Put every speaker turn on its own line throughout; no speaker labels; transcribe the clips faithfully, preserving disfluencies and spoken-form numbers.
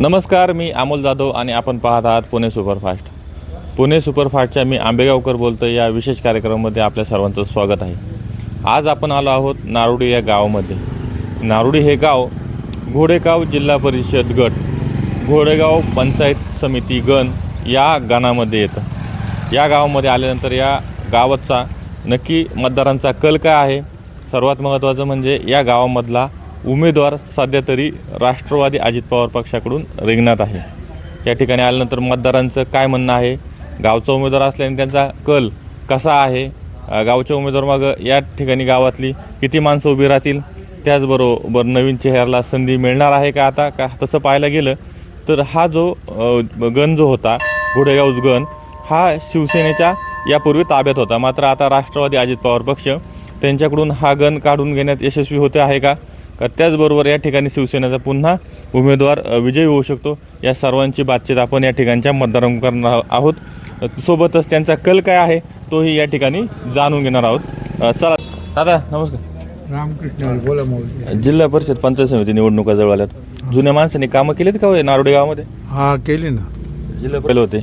नमस्कार, मी अमोल जाधव आणि आपण पाहत आहात पुणे सुपरफास्ट. पुणे सुपरफास्टच्या मी आंबेगावकर बोलतो. या विशेष कार्यक्रमामध्ये आपल्या सर्वांचं स्वागत आहे. आज आपण आलो आहोत नारोडी या गावामध्ये. नारोडी हे गाव घोडेगाव जिल्हा परिषद गट, घोडेगाव पंचायत समिती गण या गणामध्ये येतं. या गावामध्ये आल्यानंतर या गावाचा नक्की मतदारांचा कल काय आहे, सर्वात महत्त्वाचं म्हणजे या गावामधला उमेदवार सध्या तरी राष्ट्रवादी अजित पवार पक्षाकडून रिंगणात आहे. या ठिकाणी आल्यानंतर मतदारांचं काय म्हणणं आहे, गावचा उमेदवार असल्याने त्यांचा कल कसा आहे, गावच्या उमेदवार मग या ठिकाणी गावातली किती माणसं उभी राहतील, त्याचबरोबर नवीन चेहऱ्याला संधी मिळणार आहे का. आता का तसं पाहायला गेलं तर हा जो गण जो होता घोडेगाव गण हा शिवसेनेच्या यापूर्वी ताब्यात होता. मात्र आता राष्ट्रवादी अजित पवार पक्ष त्यांच्याकडून हा गण काढून घेण्यात यशस्वी होते आहे का, का त्याचबरोबर या ठिकाणी शिवसेनेचा पुन्हा उमेदवार विजयी होऊ शकतो. या सर्वांची बातचीत आपण या ठिकाणच्या मतदारांकडून करणार आहोत. सोबतच त्यांचा कल काय आहे तोही या ठिकाणी जाणून घेणार आहोत. चला दादा, नमस्कार.
रामकृष्ण बोला. मौली
जिल्हा परिषद पंचायत समिती निवडणुका जवळ आल्यात. जुन्या माणसांनी कामं केलीत का हो नारोडी गावामध्ये?
हा केली ना.
जिल्हा पहिले होते,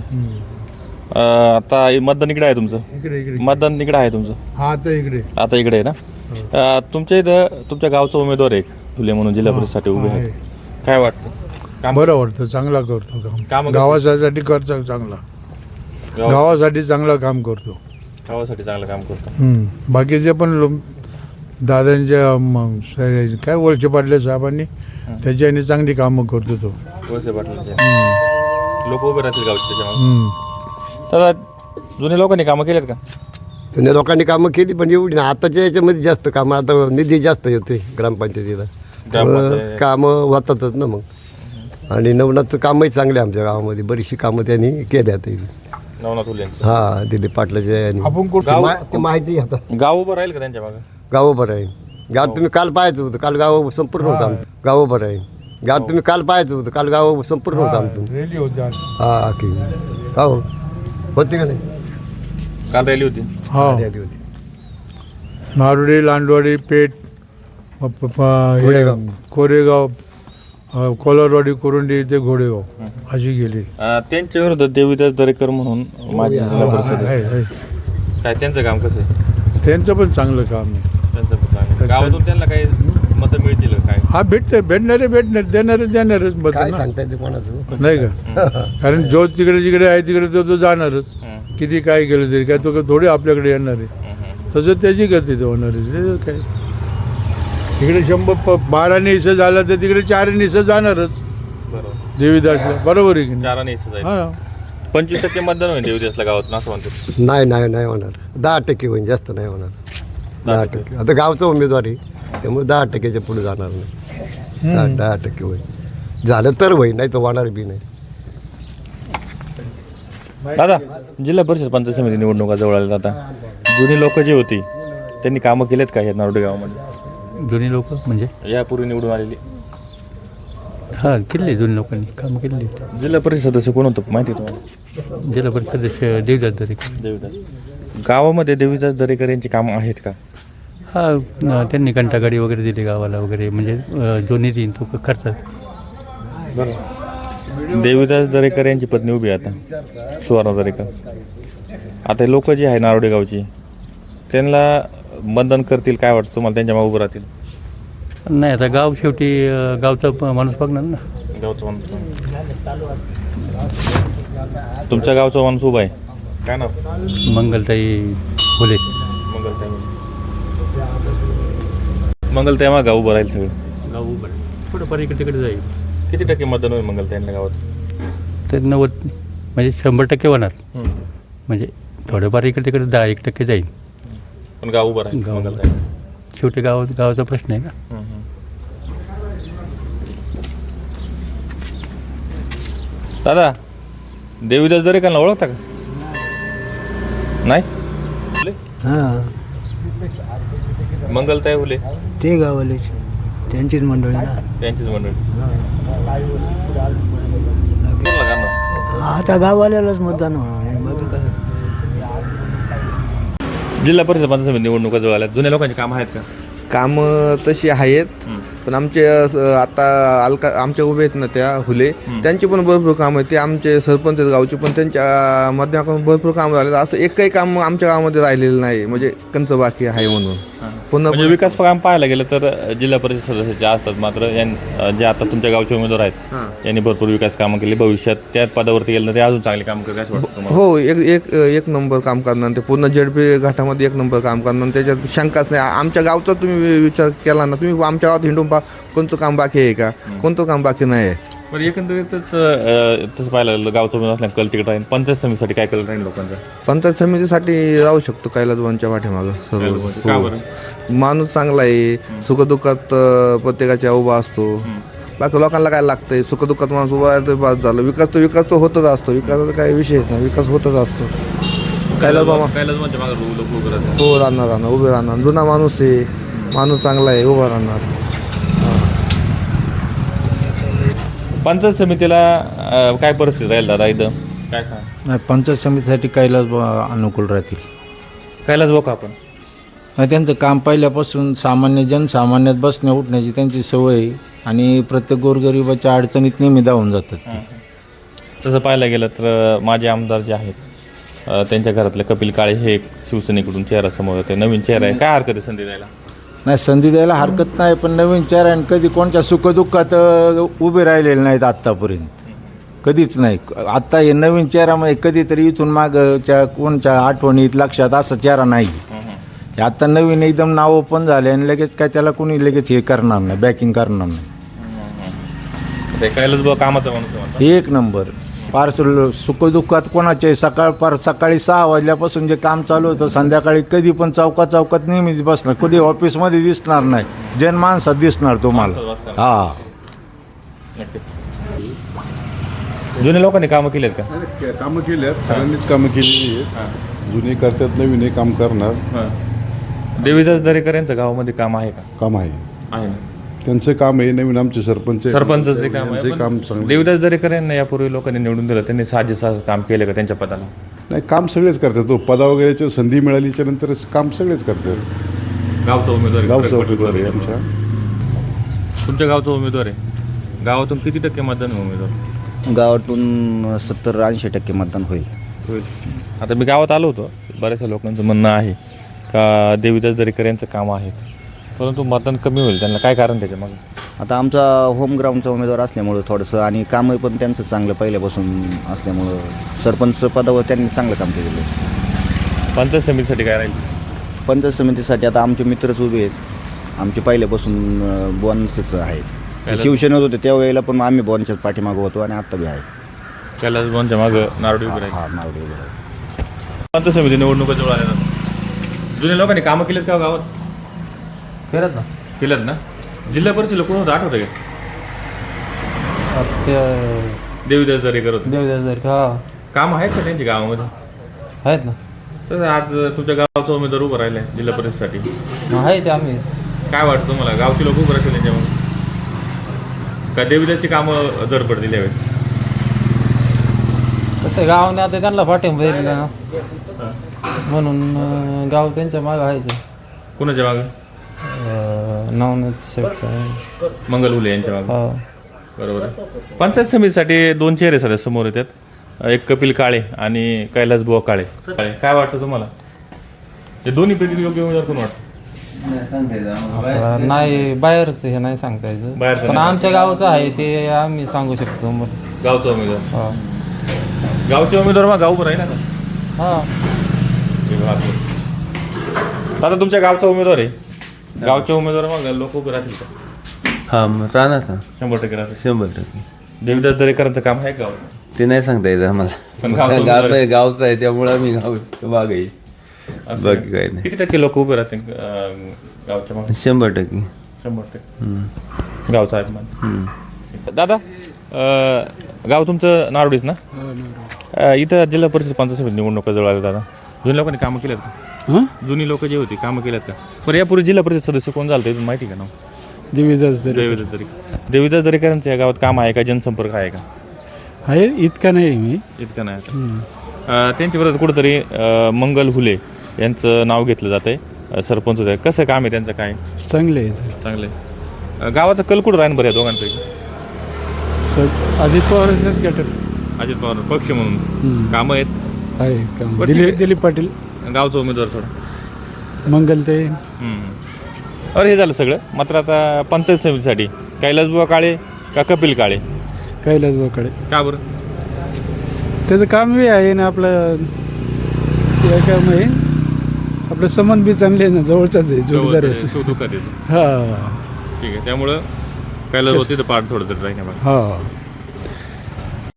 आता मतदान इकडे आहे तुमचं?
इकडे इकडे
मतदान इकडे आहे तुमचं?
हा आता इकडे
आता इकडे आहे ना. तुमच्या इथं तुमच्या गावचा उमेदवार आहे फुले म्हणून जिल्हा परिषदेसाठी उभे आहे. काय वाटतं? काम
बरं वाटतं, चांगला करतो
काम
काम
कसं?
गावासाठी करतो चांगला,
गाव-
गावासाठी चांगलं काम करतो.
गावासाठी चांगलं काम करतो.
हम्म. बाकीचे पण लो- दादांच्या म, स- काय वळसे पाटले साहेबांनी त्याच्याने चांगली कामं करतो तो.
वळसे पाटलांचे
हम्म.
लोक उभे राहतील गावचे त्याच्यामुळे.
हम्म.
दादा, जुन्या लोकांनी कामं केलेत का?
जुन्या लोकांनी कामं केली पण एवढी ना. आताच्या याच्यामध्ये जास्त कामं, आता निधी जास्त येते ग्रामपंचायतीला,
ग्रामपंचायत.
कामं होतातच ना मग. आणि नवनाथ कामही चांगले आमच्या गावामध्ये, बरीचशी कामं त्यांनी केल्या ते.
नवनाथ फुलेंचं
हा दिलीप पाटलाच्या याने.
आपण कुठं
गाव-
मा- ते माहिती आहे आता.
गाव उभं राहील का त्यांच्या मागं?
गाव बरं आहे. गाव तुम्ही काल पाहायचं होतं, काल गाव संपूर्ण होतं आमचं. गाव बरं आहे. गाव तुम्ही काल पाहायचं होतं, काल गाव संपूर्ण होतं आमचं.
रेली होती आज.
हा की का हो होती का नाही?
काल रॅली होती.
हा.
आली होती.
नारोडी, लांडवाडी, पेठ, प- प- प- हे,
घोडेगाव.
कोरेगाव, अ, कोलारवाडी, कोरुंडी ते घोडेगाव अशी गेली.
अं, त्यांच्या विरोधात देवीदास दरेकर म्हणून माजी जिल्हा परिषद आहे.
आहे, आहे.
काय त्यांचं काम कसं आहे?
त्यांचं पण चांगलं काम आहे.
त्यांचं पण चांगलं. गावातून त्यांना काही मतं मिळतील का? काय
हा भेटते, भेटणारे भेटणार, देणारे देणारच मत
काय
ना.
सांगता येते कोणाचं?
नाही का? कारण जो तिकडे जिकडे आहे तिकडे तो तो जाणारच.
हं,
किती काय केलं तरी काय तो थोडी आपल्याकडे येणार आहे.
हं, हं.
तसं त्याची गती ते होणार आहे. ते काय तिकडे शंभर प बारा निसं झाला तर तिकडे चार निसं जाणारच
बरोबर.
देवीदासला. बरोबर आहे की नाही?
चाराने इथं जायचं.
हा.
पंचवीस टक्के मतदान होईल देवीदासला गावात असं म्हणतात.
नाही नाही नाही होणार. दहा टक्के होईल, जास्त नाही होणार. दहा टक्के आता गावचा उमेदवार आहे त्यामुळे दहा टक्क्याच्या पुढे जाणार नाही. दहा दहा टक्के होईल. झालं तर होईल, नाही तर होणार बी नाही.
दादा, जिल्हा परिषद पंचायत समिती निवडणुका जवळ आल्या. आता जुनी लोक जी होती त्यांनी कामं केलेत का या नारोडी गावामध्ये?
जुनी लोक म्हणजे
यापूर्वी निवडून आलेली
हां केले जुनी लोकांनी कामं केली.
जिल्हा परिषद सदस्य कोण होतं माहिती आहे तुम्हाला?
जिल्हा परिषद सदस्य देवदास दरेकर.
देवीदास. गावामध्ये देवीदास दरेकर यांची कामं आहेत का?
हा त्यांनी घंटागाडी वगैरे दिली गावाला वगैरे, म्हणजे अं, जो निधी तो खर्च.
देवीदास दरेकर यांची पत्नी उभी आहे आता, सुवर्णा दरेकर. आता लोक जी आहे नारोडी गावची त्यांना मतदान करतील काय वाटतं तुम्हाला? त्यांच्या मागे उभं राहतील?
नाही आता गाव शेवटी अं, गावचा प- माणूस बघणार ना.
गावचं माणूस. तुमच्या गावचा माणूस उभा आहे, काय नाव?
मंगलताई फुले.
मंगलताई. मंगलताई मग गाव उभं राहील सगळं.
गाव उभं थोडंफार इकडे तिकडे जाईल.
किती टक्के मतदान होईल मंगलताईंना गावात?
तर नव्वद म्हणजे शंभर टक्के होणार.
हं.
म्हणजे थोडंफार इकडे तिकडे दहा एक टक्के जाईल.
पण गाव उभं राहील
गाव
मंगलताई.
शेवटी गाव गावाचा प्रश्न आहे ना.
हं, हं. दादा, देवीदास दरेकरला ओळखता का? नाही.
हां
मंगलताई हुले
ते गावाले त्यांचीच मंडळी ना.
त्यांचीच मंडळी. बोला का ना.
आता गाववाल्यालाच मतदान होणार आहे, बाकी काय.
जिल्हा परिषद पंचायत समिती निवडणुका जवळ आल्या. जुन्या लोकांची कामं आहेत का?
कामं तशी आहेत,
हं.
पण आमचे अ, स- आता अलका आमच्या उभे आहेत ना त्या हुले त्यांची पण भरपूर कामं आहेत. ते आमचे सरपंच आहेत गावचे, पण त्यांच्या माध्यमातून भरपूर कामं झाले. असं एकही काम आमच्या गावामध्ये राहिलेलं नाही, म्हणजे कंच बाकी आहे म्हणून. पुन्हा
म्हणजे विकास काम पाहायला गेलं तर जिल्हा परिषद सदस्य जे असतात, मात्र यां जे आता तुमच्या गावचे उमेदवार आहेत
हां.
यांनी भरपूर विकास कामं केली. भविष्यात त्या पदावरती गेलं तर ते अजून चांगली कामं करतात असं वाटतं तुम्हाला?
हो, एक एक एक नंबर काम करणार ते पूर्ण जेडपी घाटामध्ये एक नंबर काम करणार. त्याच्यात शंकाच नाही. आमच्या गावचा तुम्ही विचार केला ना, तुम्ही आमच्या गावात हिंडून पा कोणतं काम बाकी आहे का? कोणतं काम बाकी नाही आहे.
बरं, एकंदरीतच अं, तसं पाहायला गेलं गावचं उमेदवार असल्या कल तिकीट राहील. पंचायत समितीसाठी काय कल राहील लोकांचा?
पंचायत समितीसाठी राहू शकतो कैलासवानच्या पाठीमागं सर्व.
का
हो.
बरं?
माणूस चांगला आहे, सुखदुःखात अ, प्रत्येकाच्या उभा असतो. बाकी लोकांना काय लागतंय, सुखदुःखात माणूस उभा राहतो, बस झालं. विकास तो विकास तो होतच असतो, विकासाचा काही विषयच नाही, विकास होतच असतो. कैलास बाबा
कैलासवानच्या मागं लोक उभं राहतात.
हो, राहणार राहणार उभे राहणार. जुना माणूस आहे, माणूस चांगला आहे, उभा राहणार.
पंचायत समितीला अं, काय परिस्थिती राहील दादा इथं? काय सांग
नाही, पंचायत समितीसाठी कैलास बुवा अनुकूल राहतील.
कैलास भाऊ का आपण?
नाही, त्यांचं काम पहिल्यापासून सामान्य जनसामान्यात बसण्या उठण्याची त्यांची सवय आहे आणि प्रत्येक गोरगरिबाच्या अडचणीत नेहमी धावून जातात ते.
तसं पाहायला गेलं तर माजी आमदार जे आहेत अं, त्यांच्या घरातले कपिल काळे हे एक शिवसेनेकडून चेहरा समोर होते. नवीन चेहरा आहे, काय हरकत आहे संधी द्यायला?
नाही, संधी द्यायला हरकत नाही, पण नवीन चेहऱ्याने कधी कोणत्या सुखदुःखात अ, उभे राहिलेले नाहीत आत्तापर्यंत, कधीच नाही. आत्ता हे नवीन चेहऱ्यामध्ये कधीतरी इथून मागच्या कोणच्या आठवणीत लक्षात असा चेहरा नाही. हे आत्ता नवीन एकदम नाव ओपन झाले आणि लगेच काय त्याला कोणी लगेच हे करणार नाही, बॅकिंग करणार नाही.
ते कैलास भाऊ कामाचा माणूस आहे म्हणतात.
एक नंबर फार सुल सुखदुःखात कोणाचे सकाळ पार सकाळी सहा वाजल्यापासून जे काम चालू होतं संध्याकाळी कधी पण चौकात चौकात नेहमीच बसणार, कधी ऑफिसमध्ये दिसणार नाही, जनमानसात दिसणार तुम्हाला. हा,
जुन्या लोकांनी कामं केली आहेत का?
कामं केली आहेत, सगळ्यांनीच कामं केलेली आहेत. जुने करतात, नवीन हे काम करणार.
देवीदास दरेकर यांचं गावामध्ये काम आहे का?
काम आहे,
आहे ना.
त्यांचं काम आहे. नवीन आमचे सरपंच आहेत.
सरपंचचे काम आहे.
त्यांचे काम
पण
चांगलं.
देवीदास दरेकर यांना यापूर्वी लोकांनी निवडून दिलं, त्यांनी साजेसा काम केलं का त्यांच्या पदाला?
नाही, काम सगळेच करतात. तो पदा वगैरेच्या संधी मिळालीच्या नंतर काम सगळेच करतात.
गावचा उमेदवार आहे,
गावचा
फरक पडतो.
उमेदवार आहे आमच्या.
तुमच्या गावचा उमेदवार आहे. गावातून किती टक्के मतदान आहे उमेदवार?
गावातून सत्तर ऐंशी टक्के मतदान होईल.
होईल. आता मी गावात आलो होतो, बऱ्याचशा लोकांचं म्हणणं आहे का देवीदास दरेकर यांचं काम आहेत, परंतु मतदान कमी होईल. त्यांना काय कारण त्याच्या मग?
आता आमचा होम ग्राउंडचा उमेदवार असल्यामुळं थोडंसं आणि कामं पण त्यांचं चांगलं पहिल्यापासून असल्यामुळं सरपंच पदावर त्यांनी चांगलं काम केलेलं आहे.
पंचायत समितीसाठी काय राहील?
पंचायत समितीसाठी आता आमचे मित्रच उभे आहेत. आमचे पहिल्यापासून बॉन्सच आहेत. शिवसेनेत होते त्यावेळेला पण आम्ही बॉन्सच्याच पाठीमागं होतो आणि आत्ता बी आहे.
कैलास भाऊंच्या मागं नारळी उभी राहील.
हा, नावडे उभे आहे.
पंचायत समिती निवडणुका जवळ आल्या जातात. जुन्या लोकांनी कामं केलेत का गावात?
करत ना
केलेत ना. जिल्हा परिषदेला कोण होतं आठवतं का? देवीदास दरेकर होते.
देवदास हा
काम आहेत का त्यांच्या गावामध्ये?
आहेत ना,
तर आज तुमच्या गावचा उमेदवार उभं राहिलाय जिल्हा परिषदेसाठी.
आहेच आम्ही.
काय वाटतं तुम्हाला, गावची लोक उभं राहतील त्यांच्यामध्ये का देवीदासची कामं दर पडतील यावेळी?
कसं गावाने आता त्यांना पाठिंबा दिला ना, म्हणून अं, गाव त्यांच्या मागं आहेच.
कुणाच्या मागं?
नवनाथ शेठचा.
मंगल हुले यांच्या मागं.
हा,
बरोबर आहे. पंचायत समितीसाठी दोन चेहरे सध्या समोर येतात, एक कपिल काळे आणि कैलास बुवा काळे. काळे काय वाटतं तुम्हाला, हे दोन्ही पैकी योग्य उमेदवार कोण वाटतं?
आता नाही बाहेरच हे नाही सांगता यायचं,
बाहेरचं
पण
नाही.
आमच्या गावचं आहे ते आम्ही सांगू शकतो. मग
गावचा उमेदवार.
हा
गावचे उमेदवार मग गाव उभं राहील ना.
हा
आता तुमच्या गावचा उमेदवार आहे, गावचे उमेदवार मग लोक उभे राहतील का?
हां, राहणार ना,
शंभर टक्के राहतील.
शंभर टक्के.
देवीदास दरेकरांचं काम आहे गाव?
ते नाही सांगता येत आम्हाला.
पण गावचं
गाव
उमेदवार आहे.
गावचं आहे त्यामुळं आम्ही गाव मागे आहे.
असं
बाकी काही नाही.
किती टक्के लोक उभे राहतील अं, गावच्या मागे?
शंभर टक्के.
शंभर टक्के गावचा आहे मान.
हम्म.
दादा, अं, गाव तुमचं नारोडीच ना? अं, इथं जिल्हा परिषद पंचायत समिती निवडणुका जवळ आल्या दादा. जुनी लोकांनी कामं केल्यात का? जुनी लोक जे होती कामं केल्यात का? बरं, यापूर्वी जिल्हा परिषद सदस्य कोण झालं इथून माहिती का नाव?
देवीदास
देवीदास दरेकर. देवीदास दरेकरांचं या गावात काम आहे का, जनसंपर्क आहे का?
आहे, इतका नाही मी.
इतकं नाही आता. अं, त्यांच्या विरोधात कुठंतरी अं, मंगल हुले यांचं नाव घेतलं जातं आहे, सरपंच होते. कसं काम आहे त्यांचं, काय
चांगले आहे.
चांगलं आहे? अ, गावाचा कल कुठं राहीन बरं या दोघांपैकी?
स अजित पवारांच्याच गटात
अजित पवार पक्ष म्हणून
हम्म.
कामं आहेत.
आहे का
बरं, ठीक
दिलीप
आहे.
दिलीप पाटील
गावचा उमेदवार थोडा
मंगल ते
अरे हे झालं सगळं. मात्र आता पंचायत समितीसाठी कैलासबुवा काळे का कपिल काळे?
कैलास बोकडे
का बरं?
त्याचं काम बी आहे ना आपलं या काम आहे आपलं संबंध बी चांगले आहे ना जवळचाच आहे जोडीदार आहे
सुखदुःखात येतो.
हा
ठीक आहे, त्यामुळं कैलासबुवा तिथं पाठ थोडं तरी राहील.
हा